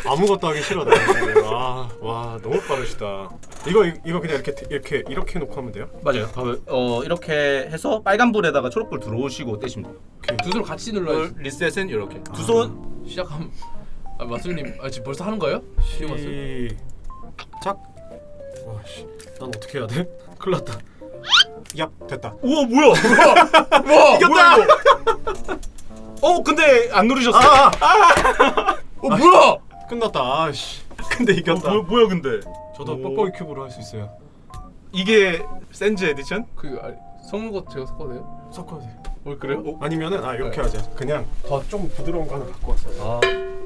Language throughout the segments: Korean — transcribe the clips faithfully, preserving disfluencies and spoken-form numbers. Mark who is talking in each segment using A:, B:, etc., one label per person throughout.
A: 아무것도 하기 싫어. 와, 와 너무 빠르시다. 이거 이거 그냥 이렇게 이렇게 이렇게 놓고 하면 돼요?
B: 맞아요. 어 이렇게 해서 빨간 불에다가 초록불 들어오시고 떼시면 돼요.
C: 두 손을 같이 눌러야지.
B: 리셋은 이렇게
A: 아.
B: 두 손.
C: 시작함. 아 마술님, 아 지금 벌써 하는 거예요?
A: 시작. 와씨, 난 어떻게 해야 돼? 큰일 났다. 야, 됐다.
B: 우와 뭐야?
C: 와
B: 이겼다. 어 근데 안 누르셨어.
A: 아,
C: 어 뭐야?
A: 끝났다. 아씨. 근데 이겼다.
B: 어, 뭐, 뭐야 근데?
A: 저도
B: 오.
A: 뻑뻑이 큐브로 할 수 있어요.
B: 이게 센즈 에디션?
C: 그 아, 섞는 거 제가 섞어도 돼요?
A: 섞어도 돼.
C: 어 그래요?
A: 어? 아니면은 아 이렇게
C: 네.
A: 하자. 그냥 더 좀 부드러운 거 하나 갖고 왔어.
B: 아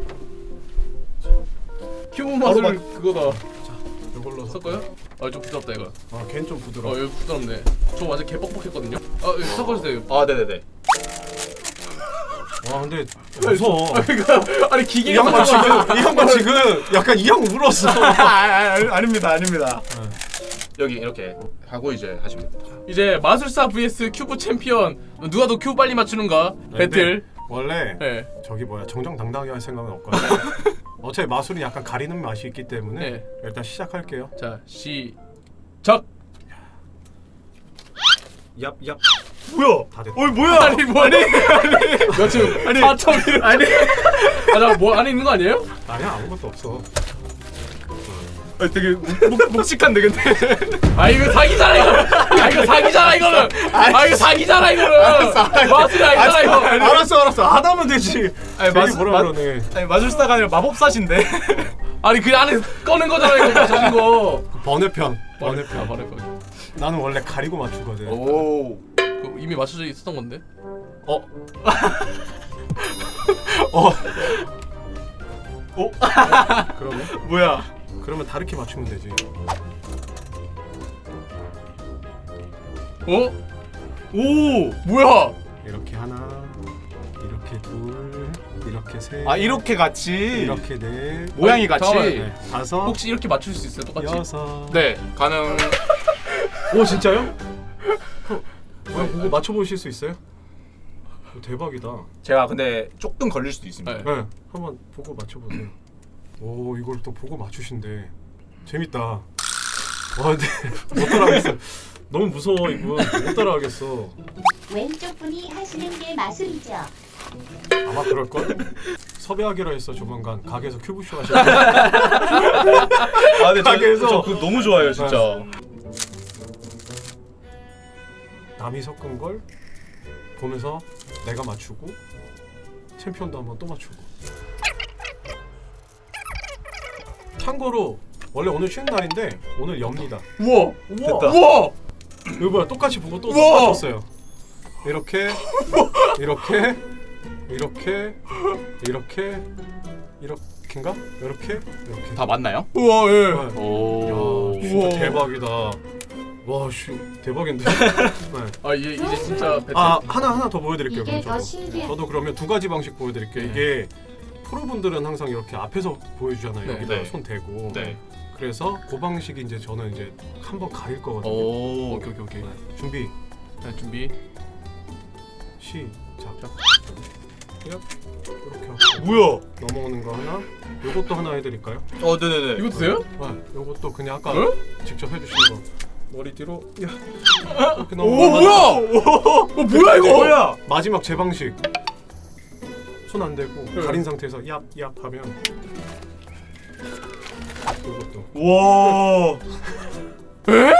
C: 큐브 마술
A: 바로
C: 그거다.
A: 이걸로 섞.
C: 섞어요? 아 좀 부드럽다 이거.
A: 아, 걔는 좀 부드러워.
C: 어 이거 부드럽네. 저 완전 개 뻑뻑했거든요. 아 이거 섞어주세요.
B: 아 네네네.
A: 와, 근데 무서워.
C: 그러니까 아니
A: 이
C: 기계가
A: 양반 지금 이 양반 지금 약간 이 형 울었어.
B: 아, 아, 아 아닙니다 아닙니다. 여기 이렇게 하고 이제 하시면 됩니다.
C: 이제 마술사 vs 큐브 챔피언 누가 더 큐브 빨리 맞추는가 배틀.
A: 원래
C: 네.
A: 저기 뭐야 정정당당하게 할 생각은 없거든. 어차피 마술이 약간 가리는 맛이 있기 때문에
C: 네.
A: 일단 시작할게요.
C: 자 시작.
A: 얍얍.
B: 뭐야?
A: 다 됐다.
B: 어이 뭐야?
C: 아니 뭐 아니 나 지금
B: 아니,
C: 사 점 일 아니 아나뭐 안에 있는 거 아니에요?
A: 아니야, 아무것도 없어.
B: 아, 되게 묵, 묵직한데 근데.
C: 아 이거 사기잖아 이거. 아 이거 사기잖아 이거는. 아 이거 사기잖아 이거는. 마술이 아니잖아 이거.
A: 알았어 알았어 안 하면 되지.
B: 아니,
A: 괜히
B: 마술-
A: 뭐라
B: 마-
A: 그러네.
B: 아니 마술사가 아니라 마법사신데.
C: 아니 그 안에 꺼낸 거잖아 이거 맞춰진 거.
A: 번외편
C: 아
A: 번외편.
C: 번외편.
A: 나는 원래 가리고 맞추거든.
B: 오.
C: 그 이미 맞춰져 있었던 건데.
A: 어? 어?
B: 어?
A: 그러면?
B: 뭐야?
A: 그러면 다르게 맞추면 되지.
C: 어?
B: 오.
C: 뭐야?
A: 이렇게 하나, 이렇게 둘, 이렇게 셋,
B: 아 이렇게 같이.
A: 이렇게 넷,
B: 모양이
C: 아니,
B: 같이.
C: 잠깐만.
A: 네, 다섯,
C: 혹시 이렇게 맞출 수 있어요 똑같이?
A: 여섯.
C: 네 가능.
A: 오, 진짜요? 어, 뭐야, 보고 맞춰보실 수 있어요? 오, 대박이다.
B: 제가 근데 조금 걸릴 수도 있습니다.
C: 네.
A: 네, 한번 보고 맞춰보세요. 오, 이걸 또 보고 맞추신대. 재밌다. 와, 근데 못 따라하겠어. 너무 무서워 이분. 못 따라하겠어.
D: 왼쪽 분이 하시는 게 마술이죠.
A: 아마 그럴걸? 섭외하기로 했어. 조만간 가게에서 큐브쇼 하실 때.
B: 아 근데
A: 가게에서-
B: 저, 저 그거 너무 좋아요 진짜.
A: 남이 섞은 걸 보면서 내가 맞추고 챔피언도 한번 또 맞추고. 참고로 원래 오늘 쉬는 날인데 오늘 엽니다.
C: 우와
B: 됐다.
C: 우와.
A: 이거 뭐야, 똑같이 보고 또
C: 우와!
A: 맞췄어요. 이렇게 이렇게 이렇게 이렇게 이렇게인가? 이렇게 이렇게.
B: 다 맞나요?
C: 우와 예.
A: 네.
B: 오.
A: 야, 진짜
C: 우와.
A: 대박이다. 와, 씨, 대박인데. 네.
C: 아 이제 이제 진짜 배틀.
A: 아, 하나 하나 더 보여드릴게요.
D: 이게
A: 그럼
D: 더
A: 저도.
D: 신기해.
A: 저도 그러면 두 가지 방식 보여드릴게요.
C: 네.
A: 이게 프로분들은 항상 이렇게 앞에서 보여주잖아요.
C: 네.
A: 여기다
B: 네.
A: 손 대고.
B: 네.
A: 그래서 그 방식이 이제 저는 이제 한번 가릴 거거든요.
B: 오.
C: 오케이 오케이 오케이.
A: 네. 준비
C: 자 준비.
A: 시작. 이렇게 하고
B: 뭐야?
A: 넘어오는 거 하나. 요것도 하나 해드릴까요?
B: 어 네네네.
C: 이것도 돼요?
A: 네. 요것도 그냥 아까
C: 어?
A: 직접 해주신 거. 머리 뒤로. 야. 이렇게
C: 오
A: 넘어가면
C: 뭐야? 어 뭐야 이거?
B: 뭐야?
A: 마지막 제 방식. 손 안 대고
C: 네.
A: 가린 상태에서 얍얍 하면 이것도.
B: 와.
C: 에?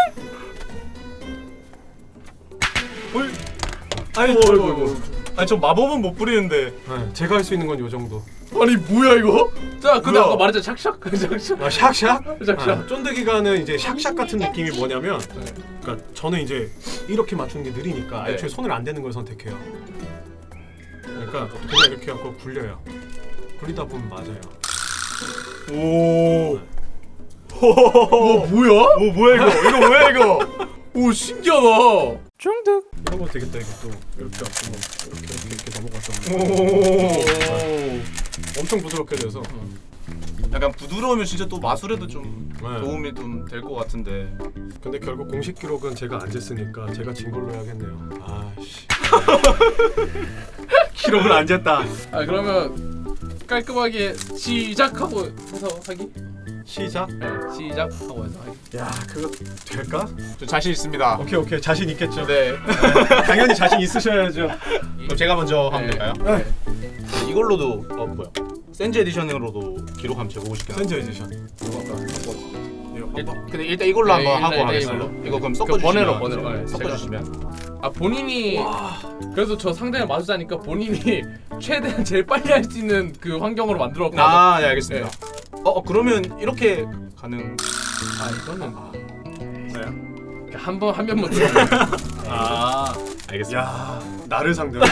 B: 어이. 아니
C: 어이구,
B: 저
C: 어이구.
B: 아니 저 마법은 못 부리는데.
A: 네, 제가 할 수 있는 건 요 정도.
C: 아니 뭐야 이거? 자 근데
B: 뭐야?
C: 아까 말했잖아 샥샥 샥샥.
A: 아, 샥샥?
C: 샥샥.
A: 아, 쫀득이가는 이제 샥샥 같은 느낌이 뭐냐면, 그러니까 저는 이제 이렇게 맞추는 게 느리니까
C: 네.
A: 애초에 손을 안 대는 걸 선택해요. 그러니까 그냥 이렇게 하고 굴려요. 굴리다 보면 맞아요.
B: 오.
C: 어 뭐야?
B: 오 뭐야 이거? 이거 뭐야 이거?
C: 오 신기하다. 중득.
A: 이런 거 되겠다. 이것도 이렇게 앞으로 이렇게 이렇게 넘어가서
B: 오.
A: 엄청 부드럽게 돼서.
B: 약간 부드러우면 진짜 또 마술에도 좀
A: 네.
B: 도움이 좀 될 것 같은데.
A: 근데 결국 공식 기록은 제가 안 쟀으니까 제가 진 걸로 해야겠네요. 아씨.
B: 기록을 안 쟀다.
C: 아 그러면 깔끔하게 시작하고 해서 하기.
A: 시작.
C: 네, 시작하고 해서 하기.
A: 야 그거 될까?
B: 저 자신 있습니다.
A: 오케이 오케이 자신 있겠죠.
B: 네.
A: 당연히 자신 있으셔야죠.
B: 그럼 제가 먼저 하면
C: 네.
B: 될까요?
C: 네.
B: 이걸로도 어 뭐야? 센즈 에디션으로도 기록 한번 재보고 싶긴 한데.
A: 센저 에디션.
B: 일- 근데 일단 이걸로
C: 네,
B: 한번
C: 일단
B: 하고
C: 일단
B: 하겠습니다.
C: 이걸로.
B: 이거 그럼
C: 그
B: 섞어주시면
C: 번외로, 번외로. 네,
B: 섞어주시면.
C: 아 본인이 그래도 저 상대를 마주자니까 본인이 최대한 제일 빨리 할 수 있는 그 환경으로 만들었거든요. 아,
B: 아, 네 알겠습니다. 어, 어 그러면 이렇게 가능?
C: 이거는
A: 네.
C: 한번 한 면만 들어.
B: 아, 알겠습니다.
A: 야 나를 상대로.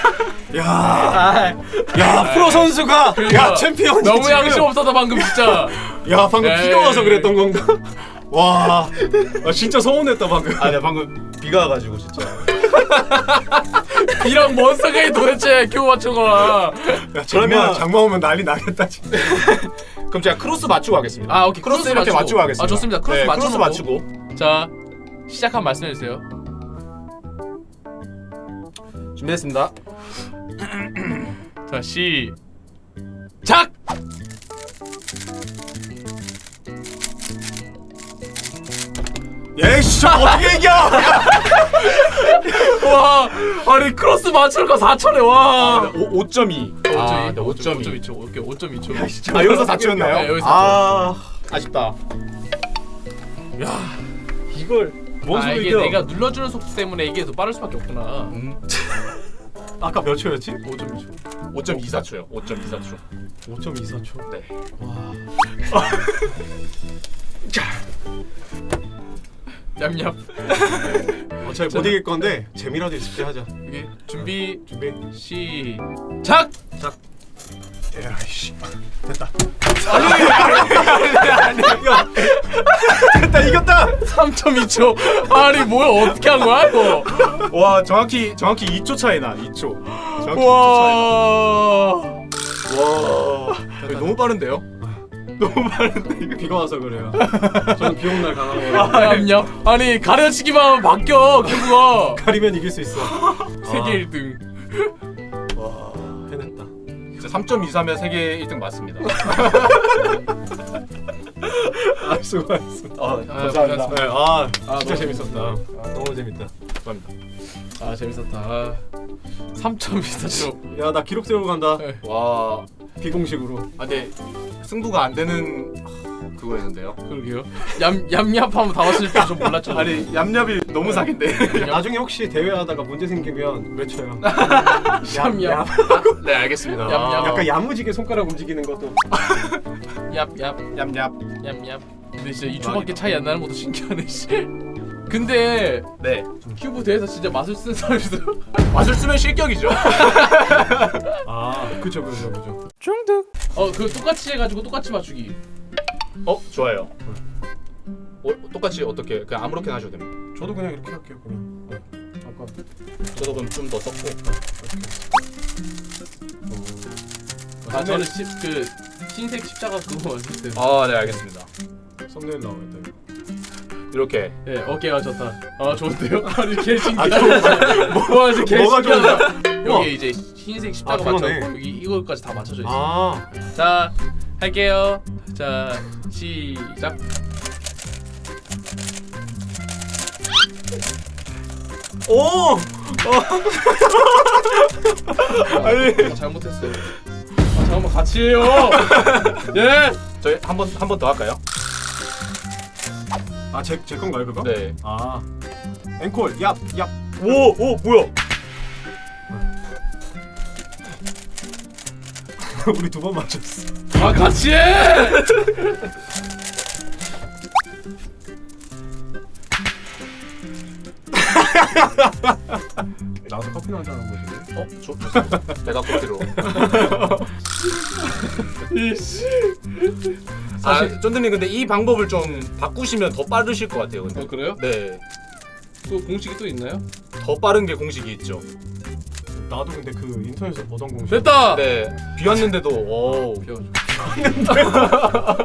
A: 야, 야 프로 선수가
C: 그러니까
A: 야 챔피언
C: 너무 양심 없어서 방금 진짜.
A: 야 방금
C: 에이.
A: 비가 와서 그랬던 건가? 와, 아, 진짜 서운했다 방금.
B: 아, 네 방금 비가 와가지고 진짜.
C: 이런 뭔 상관이 도대체 큐 맞춘 거야.
A: 야, 장마
B: 그러면-
A: 장마 오면 난리 나겠다 진짜.
B: 그럼 제가 크로스 맞추고 하겠습니다.
C: 아 오케이
B: 크로스 이렇게 맞추고 하겠습니다.
C: 아 좋습니다. 크로스
B: 네,
C: 맞추고.
B: 크로스 맞추고.
C: 자 시작한 말씀해 주세요.
B: 준비했습니다.
C: 자 시작.
A: 예씨 어떻게 이겨?
C: 와 아니 크로스 맞출 거 사천에 와.
B: 오, 오 점 이. 아, 네, 오 점 이.
C: 오 점 이 초. 오케이 오 점 이 초.
B: 아, 여기서 사 쳤나요?
C: 네, 여기서
B: 아, 아쉽다.
A: 야 이걸 뭔
C: 아 이게
A: 소리야?
C: 내가 눌러주는 속도 때문에 이게 더 빠를 수밖에 없구나.
B: 음,
A: 아까 몇 초였지?
C: 오 점 이 초.
B: 오 점 이사 초요. 오 점 이사 초.
A: 오 점 이사 초.
B: 네.
C: 얌얌.
A: 어차피 못 이길 건데 재미라도 있을 때 하자.
C: 여기 준비
A: 준비.
C: 시작.
A: 에라이씨 됐다. 아니 야 됐다 이겼다.
C: 삼 점 이 초. 아니 뭐야 어떻게 한 거야 이거?
B: 와, 정확히 정확히 이 초 차이나. 이 초. 정확히
C: 와.
B: 이 초 차이. 와. 너무 빠른데요?
A: 너무 많은데 비가 와서 그래요. 저는 비오는 날 강한 거.
C: 얌얌. 아니 가려치기만 하면 바뀌어 큐브가.
A: 가리면 이길 수 있어.
C: 세계 일 등.
A: 와 해냈다.
B: 진짜 삼 점 이사면 세계 일 등 맞습니다.
A: 아 수고하셨습니다.
B: 아,
C: 감사합니다.
A: 네, 아,
C: 아,
A: 진짜
C: 너무
A: 재밌었다. 아, 너무 재밌다.
B: 감사합니다.
C: 아 재밌었다. 삼 점 이사 초.
A: 야 나 기록 세우고 간다.
C: 네.
B: 와.
A: 비공식으로.
B: 아, 근데 승부가 안 되는 그거였는데요.
C: 그러게요. 얌 얌얌하면 다 왔을 줄 좀 몰랐죠.
B: 아니, 얌얌이 너무 사기인데.
A: 나중에 혹시 대회하다가 문제 생기면 외쳐요.
C: 얌얌.
B: 네, 알겠습니다.
C: 얌얌.
A: 약간 야무지게 손가락 움직이는 것도.
C: 얍얍
B: 얌얌.
C: 얌얌. 근데 진짜 이 초밖에 차이 안 나는 것도 신기하네 씨. 근데
B: 네.
C: 큐브 대회에서 진짜 맛을 쓰는 사람이 있어요.
B: 맛을 쓰면 실격이죠.
A: 아, 그죠, 그죠, 그죠.
C: 중득. 어, 그 똑같이 해가지고 똑같이 맞추기.
B: 어, 좋아요. 어, 똑같이 어떻게 그냥 아무렇게나 하셔도 됩니다.
A: 저도 그냥 이렇게 할게요, 그냥. 네. 아까.
B: 저도 그럼 좀 더 썼고.
C: 아, 저는 시, 그 흰색 십자가 그거 왔어요.
B: 아, 네, 알겠습니다.
A: 썸네일 나와있다. 이거.
B: 이렇게.
C: 네, 어깨가 좋다. 아, 좋은데요? 아니, 개 신기하다. 뭐 하지, 개
A: 뭐가
C: 신기하다.
A: 우와.
C: 여기 이제 흰색 십자가
A: 아, 그러네.
C: 맞춰 여기 이거까지 다 맞춰져 있어.
A: 아,
C: 자, 할게요. 자, 시작.
A: 오!
C: 아니, 아, 잘못했어. 아, 잠깐만 같이 해요. 예.
B: 저희 한 번 한 번 더 할까요?
A: 아, 제, 제 건가요, 그거?
B: 네.
A: 아. 앵콜, 얍, 얍.
B: 오, 오, 뭐야?
A: 우리 두 번 맞췄어.
C: 아, 같이 해.
A: 나와서 커피나 한잔 하는 거지.
B: 어, 좋, 좋습니다. 배가 고프로.
C: 이씨.
B: 아, 쫀드님 근데 이 방법을 좀 바꾸시면 더 빠르실 것 같아요. 근데.
C: 어, 그래요?
B: 네.
C: 또 공식이 또 있나요?
B: 더 빠른 게 공식이 있죠.
A: 나도 근데 그 인터넷에서 보던 공식.
C: 됐다.
B: 네. 비 왔는데도 오.
C: 비워줘.